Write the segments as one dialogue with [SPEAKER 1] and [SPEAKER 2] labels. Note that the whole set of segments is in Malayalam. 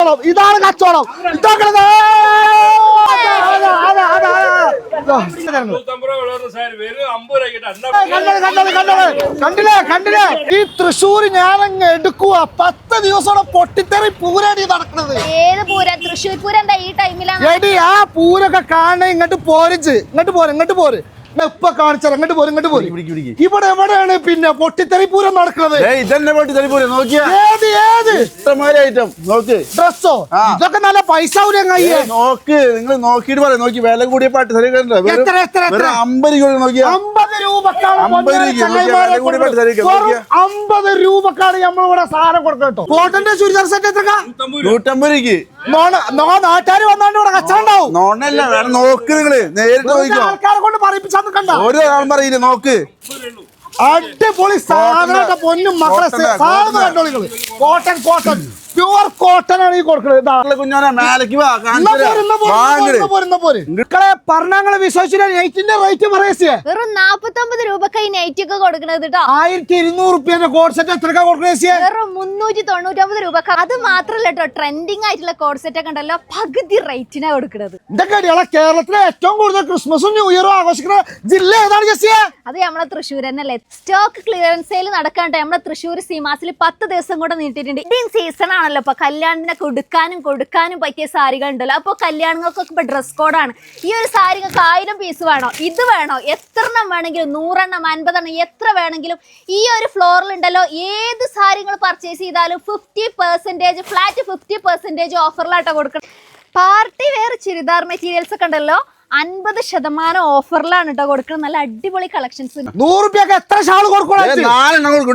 [SPEAKER 1] ഇതാണ് കച്ചവടം. കണ്ടില്ലേ ഈ തൃശ്ശൂർ ഞാനങ്ങ് എടുക്കുക 10 ദിവസം പൊട്ടിത്തെറി പൂരാടി നടക്കുന്നത്.
[SPEAKER 2] ഏത് പൂരം? തൃശ്ശൂർ പൂരം എന്താ ഈ ടൈമിലാണ്?
[SPEAKER 1] എടി ആ പൂരൊക്കെ കാണാൻ ഇങ്ങോട്ട് പോര് ഇപ്പൊ കാണിച്ചാൽ അങ്ങോട്ട് പോരും. ഇവിടെ എവിടെയാണ് പിന്നെ പൊട്ടിത്തെറി പൂരം നടക്കുന്നത്? ഡ്രസ്സോ ഇതൊക്കെ നല്ല പൈസ
[SPEAKER 3] നോക്ക്, നിങ്ങൾ നോക്കിട്ട് പറയാം. നോക്കി വില കൂടിയ പാട്ട് 50
[SPEAKER 1] രൂപക്കാണ് നമ്മളിവിടെ സാധനം കൊടുക്കട്ടോ. കോട്ടന്റെ ചുരിദാർ സെറ്റ് എത്ര?
[SPEAKER 3] 150 രൂപയ്ക്ക്.
[SPEAKER 1] നാട്ടുകാർ വന്നാണ്ട് ഇവിടെ കച്ചവടം ഉണ്ടാവും.
[SPEAKER 3] നോണല്ല, വേണം നോക്ക്. നിങ്ങള് നേരിട്ട് നോക്കിക്കോ.
[SPEAKER 1] ആൾക്കാരെ കൊണ്ട് പറയിപ്പിച്ചാൽ
[SPEAKER 3] ഒരു ആൾ പറയില്ല. നോക്ക്,
[SPEAKER 1] അടിപൊളി സാധനം. പൊന്നും മക്കളെ സാധനം കണ്ടോളികള്. കോട്ടൺ പ്യുവർ കോട്ടൺ ആണ് ഈ കൊടുക്കുന്നത്.
[SPEAKER 3] കുഞ്ഞോനെ മേലേക്ക്
[SPEAKER 1] പറഞ്ഞങ്ങളെ വിശ്വസിച്ചില്ല. നൈറ്റിന്റെ റേറ്റ് പറയേ
[SPEAKER 2] വെറും 49 രൂപക്ക് ഈ നൈറ്റ് ഒക്കെ കൊടുക്കണത് കേട്ടോ.
[SPEAKER 1] 1200 റുപ്യന്റെ കോഡ് സെറ്റ് എത്രക്കാ കൊടുക്കുന്നത്?
[SPEAKER 2] വെറും 399 രൂപക്ക്. അത് മാത്രല്ല കേട്ടോ, ട്രെൻഡിങ് ആയിട്ടുള്ള കോഡ് സെറ്റ് ഒക്കെ ഉണ്ടല്ലോ, പകുതി റേറ്റിനാ കൊടുക്കുന്നത്.
[SPEAKER 1] ഇതൊക്കെ കേരളത്തിലെ ഏറ്റവും കൂടുതൽ ക്രിസ്മസും ന്യൂ ഇയറും ആഘോഷിക്കുന്ന ജില്ല ഏതാണ് ജെസ്സി?
[SPEAKER 2] അത് നമ്മളെ തൃശ്ശൂർ തന്നെയല്ലേ. സ്റ്റോക്ക് ക്ലിയറൻസ് സെയിൽ നടക്കാണ്ട് നമ്മളെ തൃശ്ശൂർ സീമാസിൽ 10 ദിവസം കൂടെ നീട്ടിയിട്ടുണ്ട്. ഇതിൻ സീസൺ ആണല്ലോ. ഇപ്പൊ കല്യാണത്തിനൊക്കെ കൊടുക്കാനും പറ്റിയ സാരികൾ ഉണ്ടല്ലോ. അപ്പൊ കല്യാണങ്ങൾക്കൊക്കെ ഇപ്പൊ ഡ്രസ് കോഡാണ്. ഈ ഒരു സാരി 1000 പീസ് വേണോ, ഇത് വേണോ, എത്ര എണ്ണം വേണമെങ്കിലും, 100 എണ്ണം 50 എണ്ണം എത്ര വേണമെങ്കിലും ഈ ഒരു ഫ്ലോറിൽ ഉണ്ടല്ലോ. ഏത് സാരികൾ പർച്ചേസ് ചെയ്താലും 50% ഫ്ലാറ്റ് 50% ഓഫറിലാട്ടോ കൊടുക്കണം. പാർട്ടി വെയർ ചുരിദാർ മെറ്റീരിയൽസ് ഒക്കെ ഉണ്ടല്ലോ 50% ഓഫറിലാണ് കേട്ടോ കൊടുക്കുന്നത്. നല്ല അടിപൊളി കളക്ഷൻസ്.
[SPEAKER 1] 100 രൂപയ്ക്ക് എത്ര ഷാൾ കൊടുക്കും?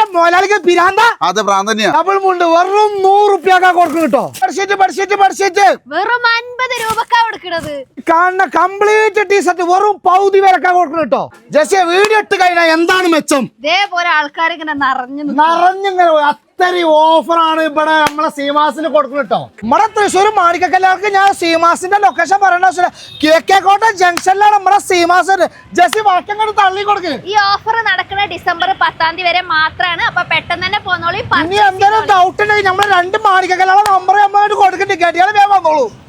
[SPEAKER 1] ഡബിൾ മുണ്ട് വെറും 100 രൂപയ്ക്കാ കൊടുക്കും കേട്ടോ. ബെഡ്ഷീറ്റ്
[SPEAKER 2] വെറും 50 രൂപക്കാ കൊടുക്കുന്നത്.
[SPEAKER 1] കാണുന്ന കംപ്ലീറ്റ് ടീഷർട്ട് വെറും പൗതി വിലക്കാ കൊടുക്കണം കേട്ടോ. ജെസ്സി വീഡിയോ ഇട്ട് കഴിഞ്ഞാൽ എന്താണ് മെച്ചം?
[SPEAKER 2] ഇതേപോലെ ആൾക്കാർ ഇങ്ങനെ
[SPEAKER 1] നിറഞ്ഞിങ്ങനെ അത്തരി ഓഫറാണ് ഇവിടെ നമ്മളെ സീമാസിന് കൊടുക്കുന്നത് കേട്ടോ. നമ്മുടെ തൃശ്ശൂർ മാണിക്കക്കല്ലാർക്ക് ഞാൻ സീമാസിന്റെ ലൊക്കേഷൻ പറയണ KK ജംഗ്ഷനിലാണ് നമ്മുടെ സീമാസ്. ജെസ്സി വാക്യം തള്ളി കൊടുക്കുക.
[SPEAKER 2] ഈ ഓഫർ നടക്കുന്ന ഡിസംബർ 10 വരെ മാത്രമാണ്. അപ്പൊ പെട്ടെന്ന് തന്നെ പോന്നോളൂ.
[SPEAKER 1] ഇനി എന്തെങ്കിലും ഡൗട്ട് ഉണ്ടെങ്കിൽ നമ്മള് 2 മാണിക്കക്കല്ലാണ് നമ്പർ നമ്മളായിട്ട് കൊടുക്കണ്ടേ. കേട്ടിയാൽ വേഗം വന്നോളൂ.